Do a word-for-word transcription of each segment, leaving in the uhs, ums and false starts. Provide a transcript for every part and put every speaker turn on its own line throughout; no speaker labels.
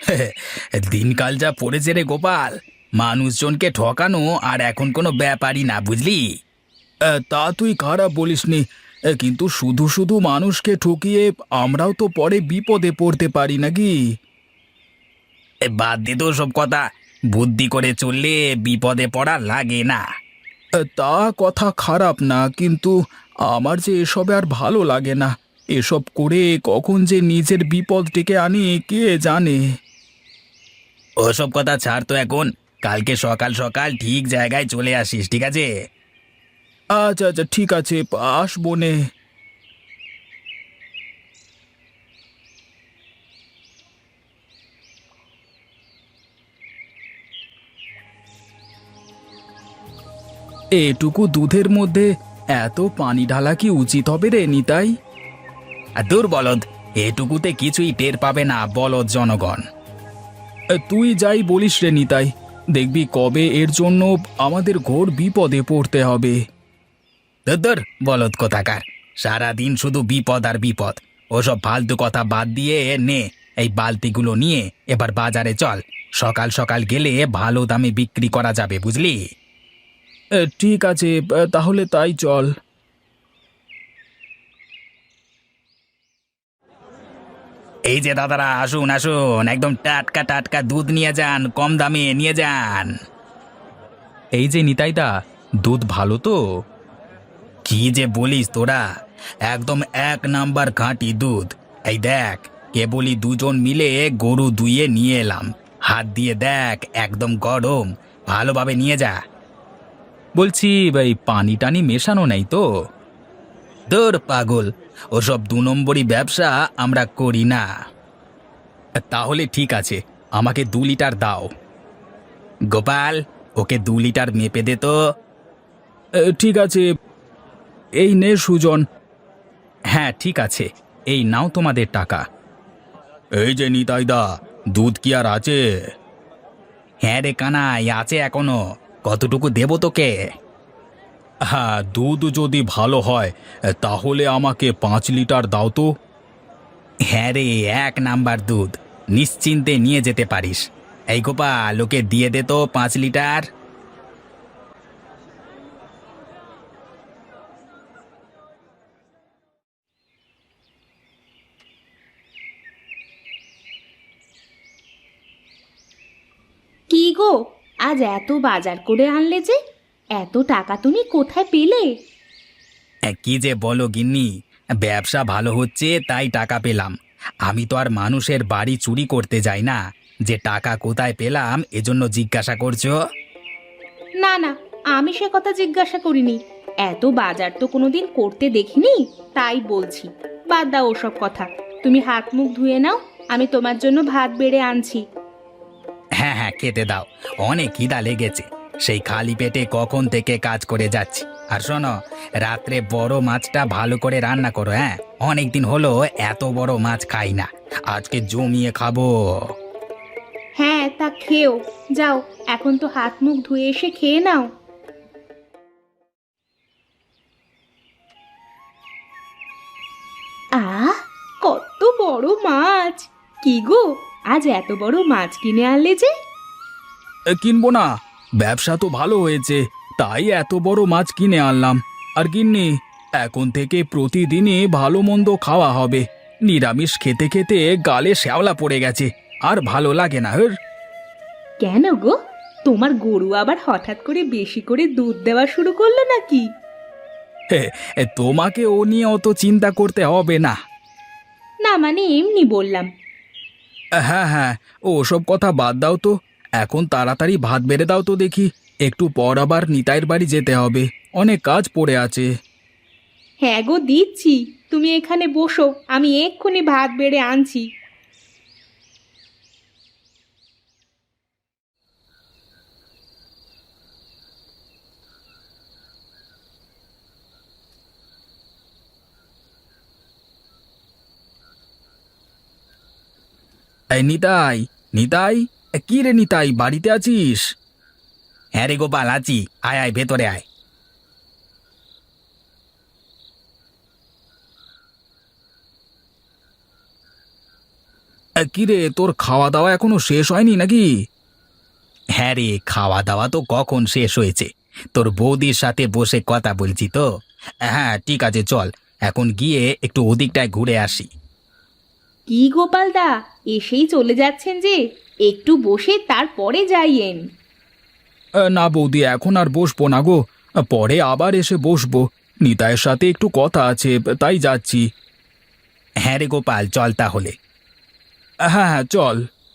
দিনকাল যা পড়েছে রে গোপাল, মানুষজনকে ঠকানো আর এখন কোনো ব্যাপারই না, বুঝলি? এ, তা তুই খারাপ বলিসনি। এ, কিন্তু শুধু শুধু মানুষকে ঠকিয়ে আমরাও তো পরে বিপদে পড়তে পারি নাকি? এ, বাদ দে তো সব কথা। বুদ্ধি করে চললে বিপদে পড়া লাগে না। এ, তা কথা খারাপ না, কিন্তু আমার যে এসবে আর ভালো লাগে না। এসব করে কখন যে নিজের বিপদ ডেকে আনি কে জানে। ওসব কথা ছাড় তো এখন। কালকে সকাল সকাল ঠিক জায়গায় চলে আসিস, ঠিক আছে? আচ্ছা আচ্ছা, ঠিক আছে, আসবো নে। এটুকু দুধের মধ্যে এত পানি ঢালা কি উচিত হবে রে নিতাই? আর দূর বলদ, এটুকুতে কিছুই টের পাবে না বলদ জনগণ। এ, তুই যাই বলিস রে নিতাই, দেখবি কবে এর জন্য আমাদের ঘোর বিপদে পড়তে হবে। ধর বলদ কোথাকার, সারাদিন শুধু বিপদ আর বিপদ। ওসব ফালতু কথা বাদ দিয়ে নে, এই বালতিগুলো নিয়ে এবার বাজারে চল। সকাল সকাল গেলে ভালো দামে বিক্রি করা যাবে, বুঝলি? এ, ঠিক আছে, এ, তাহলে তাই চল। এই যে দাদারা, আসুন আসুন, একদম টাটকা টাটকা দুধ নিয়ে যান, কম দামে নিয়ে যান। এই যে নিতাইদা, দুধ ভালো তো? কি যে বলিস তোরা, একদম এক নাম্বার খাঁটি দুধ। এই দেখ, কেবলই দুজন মিলে গরু দুইয়ে নিয়ে এলাম। হাত দিয়ে দেখ, একদম গরম। ভালোভাবে নিয়ে যা। বলছি ভাই, পানি টানি মেশানো নেই তো? দূর পাগল, ওসব দু নম্বরই ব্যবসা আমরা করি না। তাহলে ঠিক আছে, আমাকে দু লিটার দাও। গোপাল, ওকে দু লিটার মেপে দে তো। এ, ঠিক আছে, এই নে সুজন। হ্যাঁ ঠিক আছে, এই নাও তোমাদের টাকা। এই যে নিতাইদা, দুধ কি আর আছে? হ্যাঁ রে কানাই, আছে এখনো। কতটুকু দেবো তোকে? হ্যাঁ, দুধ যদি ভালো হয় তাহলে আমাকে পাঁচ লিটার দাও তো। হ্যাঁ রে, এক নাম্বার দুধ, নিশ্চিন্তে নিয়ে যেতে পারিস। এই গোপাল, ওকে দিয়ে দে তো পাঁচ লিটার।
কি গো, আজ এত বাজার করে আনলে যে? এত টাকা তুমি কোথায় পেলে?
এ, কি যে বলো গিন্নি, ব্যবসা ভালো হচ্ছে তাই টাকা পেলাম। আমি তো আর মানুষের বাড়ি চুরি করতে যাই না, যে টাকা কোথায় পেলাম এজন্য জিজ্ঞাসা করছো।
না না, আমি সে কথা জিজ্ঞাসা করিনি। এত বাজার তো কোনোদিন করতে দেখিনি, তাই বলছি। বাদ দাও ওসব কথা। তুমি হাত মুখ ধুয়ে নাও, আমি তোমার জন্য ভাত বেড়ে আনছি।
হ্যাঁ হ্যাঁ, খেতে দাও, অনেক খিদা লেগেছে। সেই খালি পেটে কখন থেকে কাজ করে যাচ্ছি। আর শোনো, রাত্রে বড় মাছটা ভালো করে রান্না করো। হ্যাঁ, অনেক দিন হলো এত বড় মাছ খাই না, আজকে জমিয়ে খাবো।
হ্যাঁ, তা খেও। যাও, এখন তো হাত মুখ ধুয়ে এসে খেয়ে নাও। আহ, কত বড় মাছ! কি গো, আজ এত বড় মাছ কিনে আনলে যে?
এ, কিনবো না, ব্যবসা তো ভালো হয়েছে, তাই এত বড় মাছ কিনে আনলাম। আর গিন্নি, এখন থেকে প্রতিদিনই ভালো মন্দ খাওয়া হবে। নিরামিষ খেতে খেতে গালে শ্যাওলা পড়ে গেছে, আর ভালো লাগে না। হের।
কেন গো, তোমার গরু আবার হঠাৎ করে বেশি করে দুধ দেওয়া শুরু করলো নাকি?
হে, এ, তোমাকে ও নিয়ে অত চিন্তা করতে হবে না।
না মানে এমনি বললাম।
হ্যাঁ হ্যাঁ, ও সব কথা বাদ দাও তো। এখন তাড়াতাড়ি ভাত বেড়ে দাও তো দেখি, একটু পর আবার নিতাইয়ের বাড়ি যেতে হবে, অনেক কাজ পড়ে আছে।
হ্যাঁ গো, দিচ্ছি। তুমি এখানে বসো, আমি এক্ষুনি ভাত বেড়ে আনছি।
এই নিতাই, নিতাই, এ, কি রে নিতাই, বাড়িতে আছিস? হ্যাঁ রে গোপাল, আছি। আয় আয়, ভেতরে আয়। কিরে, তোর খাওয়া দাওয়া এখনো শেষ হয়নি নাকি? হ্যাঁ রে, খাওয়া দাওয়া তো কখন শেষ হয়েছে। তোর বৌদির সাথে বসে কথা বলছি তো। হ্যাঁ ঠিক আছে, চল এখন গিয়ে একটু ওদিকটায় ঘুরে আসি।
কি গোপালদা, এসেই চলে যাচ্ছেন যে? একটু বসে তারপরে যাইয়েন।
না বৌদি, এখন আর বসবো না গো, পরে আবার এসে বসবো। নিতাইয়ের সাথে একটু কথা আছে, তাই যাচ্ছি। হ্যাঁ রে গোপাল, চল তাহলে। হ্যাঁ হ্যাঁ চল।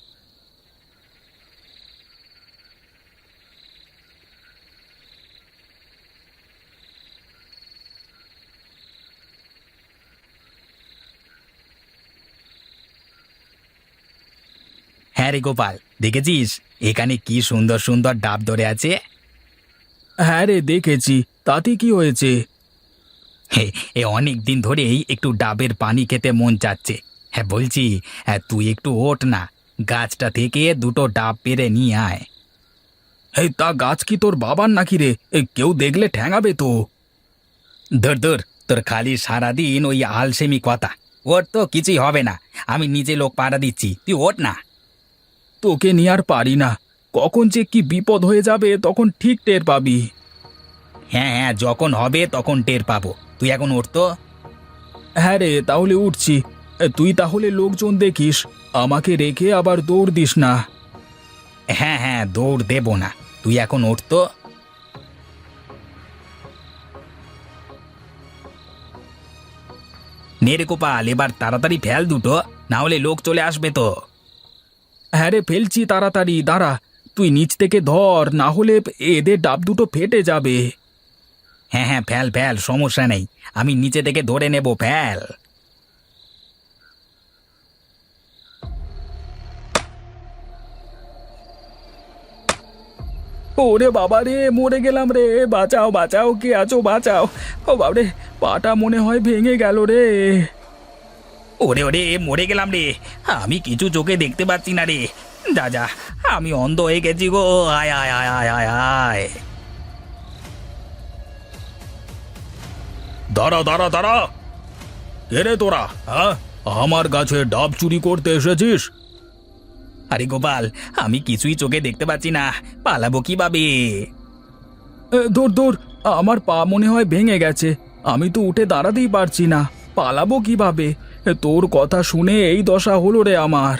হ্যাঁ রে গোপাল, দেখেছিস এখানে কি সুন্দর সুন্দর ডাব ধরে আছে? হ্যাঁ রে দেখেছি, তাতে কি হয়েছে? হে, এ অনেক দিন ধরেই একটু ডাবের পানি খেতে মন চাচ্ছে। হ্যাঁ বলছি, হ্যাঁ তুই একটু ওঠ না, গাছটা থেকে দুটো ডাব পেড়ে নিয়ে আয়। এই তা গাছ কি তোর বাবার নাকি রে? এ, কেউ দেখলে ঠ্যাঙাবে তো। ধর ধর, তোর খালি সারাদিন ওই আলসেমি কথা। ওর তো কিছুই হবে না, আমি নিজে লোক পাড়া দিচ্ছি, তুই ওঠ না। তোকে নিয়ে আর পারি না, কখন যে কি বিপদ হয়ে যাবে তখন ঠিক টের পাবি। হ্যাঁ হ্যাঁ, যখন হবে তখন টের পাবো, তুই এখন ওঠ তো। হ্যাঁ রে, তাহলে উঠছি। এ, তুই তাহলে লোকজন দেখিস, আমাকে রেখে আবার দৌড় দিস না। হ্যাঁ হ্যাঁ, দৌড় দেব না, তুই এখন ওঠ তো। নে রে গোপাল, এবার তাড়াতাড়ি ফেল দুটো, না হলে লোক চলে আসবে তো। হ্যাঁ রে, ফেলছি তাড়াতাড়ি, দাঁড়া। তুই নিচ থেকে ধর, না হলে এদের ডাব দুটো ফেটে যাবে। হ্যাঁ হ্যাঁ, ফেল ফেল, সমস্যা নেই, আমি নিচে থেকে ধরে নেব, ফেল। ওরে বাবা রে, মরে গেলাম রে, বাঁচাও বাঁচাও, কে আছো বাঁচাও। ও বাবরে, পাটা মনে হয় ভেঙে গেল রে। ওরে ওরে, মরে গেলাম রে, আমি কিছু চোখে দেখতে পাচ্ছি না রে। যা যা, আমি অন্ধ হয়ে গেছি গো, আয় আয় আয় আয় আয় আয়। দাঁড়া দাঁড়া দাঁড়া, কে রে তোরা? হ্যাঁ, আমার গাছে ডাব চুরি করতে এসেছিস? আরে গোপাল, আমি কিছুই চোখে দেখতে পাচ্ছি না, পালাবো কিভাবে? দূর দূর, আমার পা মনে হয় ভেঙে গেছে, আমি তো উঠে দাঁড়াতেই পারছি না, পালাবো কিভাবে? তোর কথা শুনে এই দশা হলো রে আমার।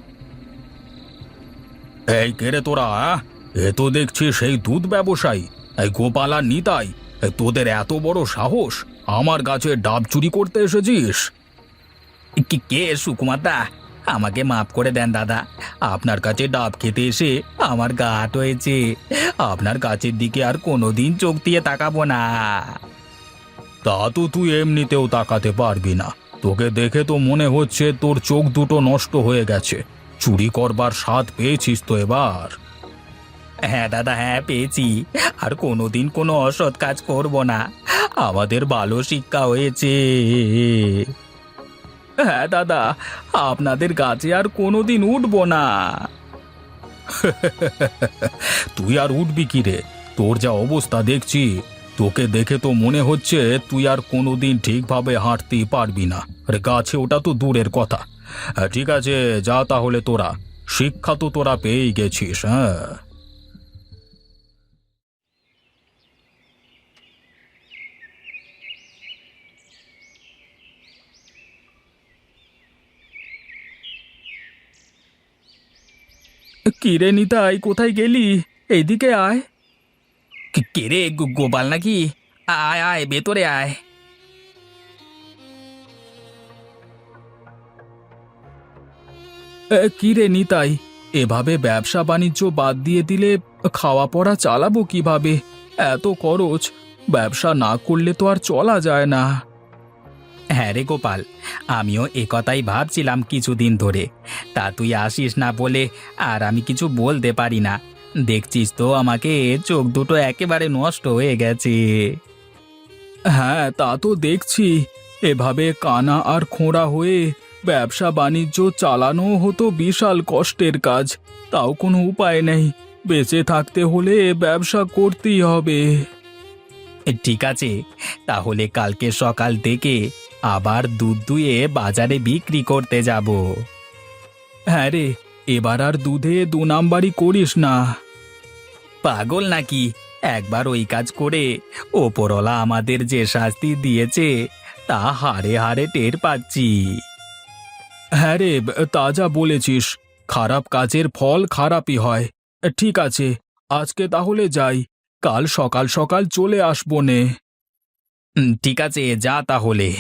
এই কে রে তোরা? এ তো দেখছি সেই দুধ ব্যবসায়ী, এই গোপাল আর নিতাই। এ, তোদের এত বড় সাহস, আমার গাছে ডাব চুরি করতে এসেছিস? কি কে সুকুমার দা, আমাকে মাফ করে দেন দাদা, আপনার কাছে ডাব খেতে এসে আমার গা হাট হয়েছে, আপনার গাছের দিকে আর কোনোদিন চোখ দিয়ে তাকাবো না। তা তো তুই এমনিতেও তাকাতে পারবি না, তোকে দেখে তো মনে হচ্ছে তোর চোখ দুটো নষ্ট হয়ে গেছে, চুরি করবার স্বাদ পেয়েছিস তো এবার। হ্যাঁ দাদা, হ্যাঁ পেয়েছি, আর কোনোদিন কোনো অসৎ কাজ করব না, আমাদের ভালো শিক্ষা হয়েছে। হ্যাঁ দাদা, আপনাদের গাছে আর কোনোদিন উঠবো না। তুই আর উঠবি কি রে? তোর যা অবস্থা দেখছি, তোকে দেখে তো মনে হচ্ছে তুই আর কোনোদিন ঠিকভাবে হাঁটতেই পারবি না। আরে গাছে ওটা তো দূরের কথা। হ্যাঁ, ঠিক আছে, যা তাহলে, তোরা শিক্ষা তো তোরা পেয়েই গেছিস। হ্যাঁ, কি রে নিতাই, কোথায় গেলি? এইদিকে আয়। কে রে, গোপাল নাকি? আয় আয়, ভেতরে আয়। কি রে নিতাই, এভাবে ব্যবসা বাণিজ্য বাদ দিয়ে দিলে খাওয়া পড়া চালাবো কিভাবে? এত খরচ, ব্যবসা না করলে তো আর চলা যায় না। হ্যাঁ রে গোপাল, আমিও এ কথাই ভাবছিলাম কিছুদিন ধরে, তা তুই আসিস না বলে আর আমি কিছু বলতে পারি না। দেখছিস তো আমাকে, চোখ দুটো একেবারে নষ্ট হয়ে গেছে। হ্যাঁ তা তো দেখছি, এভাবে কানা আর খোঁড়া হয়ে ব্যবসা বাণিজ্য চালানো হতো বিশাল কষ্টের কাজ, তাও কোনো উপায় নেই, বেঁচে থাকতে হলে ব্যবসা করতেই হবে। ঠিক আছে, তাহলে কালকে সকাল থেকে আবার দুধ দুয়ে বাজারে বিক্রি করতে যাব। হ্যাঁ রে, এবার আর দুধে দু নাম্বারই করিস না। পাগল নাকি? একবার ওই কাজ করে ওপরওয়ালা আমাদের যে শাস্তি দিয়েছে তা হারে হারে টের পাচ্ছি। হ্যাঁ রে, তা যা বলেছিস, খারাপ কাজের ফল খারাপই হয়। ঠিক আছে, আজকে তাহলে যাই, কাল সকাল সকাল চলে আসবো নে। ঠিক আছে, যা তাহলে।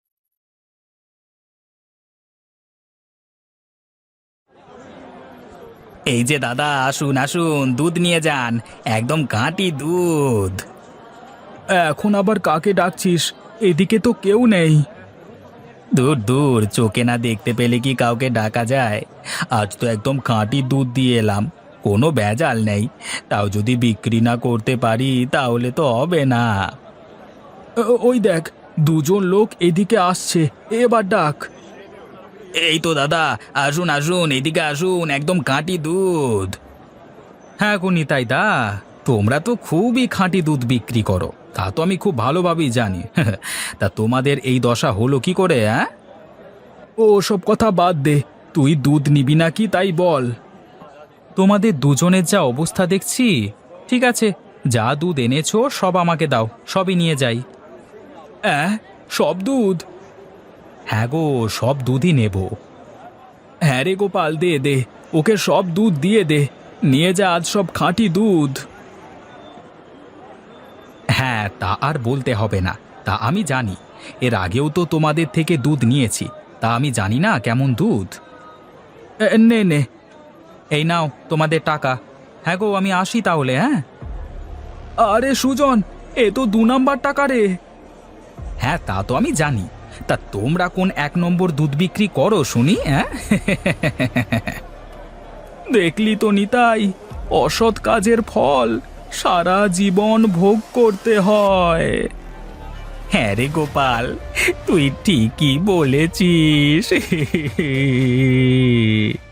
এই যে দাদা, আসুন আসুন, দুধ নিয়ে যান, একদম খাঁটি দুধ। এখন আবার কাকে ডাকছিস? এদিকে তো কেউ নেই। দূর দূর, চোখে না দেখতে পেলে কি কাউকে ডাকা যায়? আজ তো একদম খাঁটি দুধ দিয়ে এলাম, কোনো ভেজাল নেই। তাও যদি বিক্রি না করতে পারি তাহলে তো হবে না। ও- ওই দেখ, দুজন লোক এদিকে আসছে, এবার ডাক। এই তো দাদা, আসুন আসুন, এদিকে আসুন, একদম খাঁটি দুধ। হ্যাঁ গো নিতাইদা, তোমরা তো খুবই খাঁটি দুধ বিক্রি করো, তা তো আমি খুব ভালোভাবেই জানি। তা তোমাদের এই দশা হলো কি করে? হ্যাঁ, ও সব কথা বাদ দে, তুই দুধ নিবি নাকি তাই বল। তোমাদের দুজনের যা অবস্থা দেখছি, ঠিক আছে, যা দুধ এনেছো সব আমাকে দাও, সবই নিয়ে যাই। অ্যাঁ, সব দুধ? হ্যাঁ গো, সব দুধই নেব। হ্যাঁ রে গোপাল, দে দে, ওকে সব দুধ দিয়ে দে, নিয়ে যা আজ সব খাঁটি দুধ। হ্যাঁ, তা আর বলতে হবে না, তা আমি জানি, এর আগেও তো তোমাদের থেকে দুধ নিয়েছি, তা আমি জানি না কেমন দুধ। এ, নে নে, এই নাও তোমাদের টাকা। হ্যাঁ গো, আমি আসি তাহলে। হ্যাঁ। আরে সুজন, এ তো দু নাম্বার টাকা রে। হ্যাঁ, তা তো আমি জানি, তা তোমরা কোন এক নম্বর দুধ বিক্রি করো শুনি? হ্যাঁ। দেখলি তো নিতাই, অসৎ কাজের ফল সারা জীবন ভোগ করতে হয়। হ্যাঁ রে গোপাল, তুই ঠিকই বলেছিস।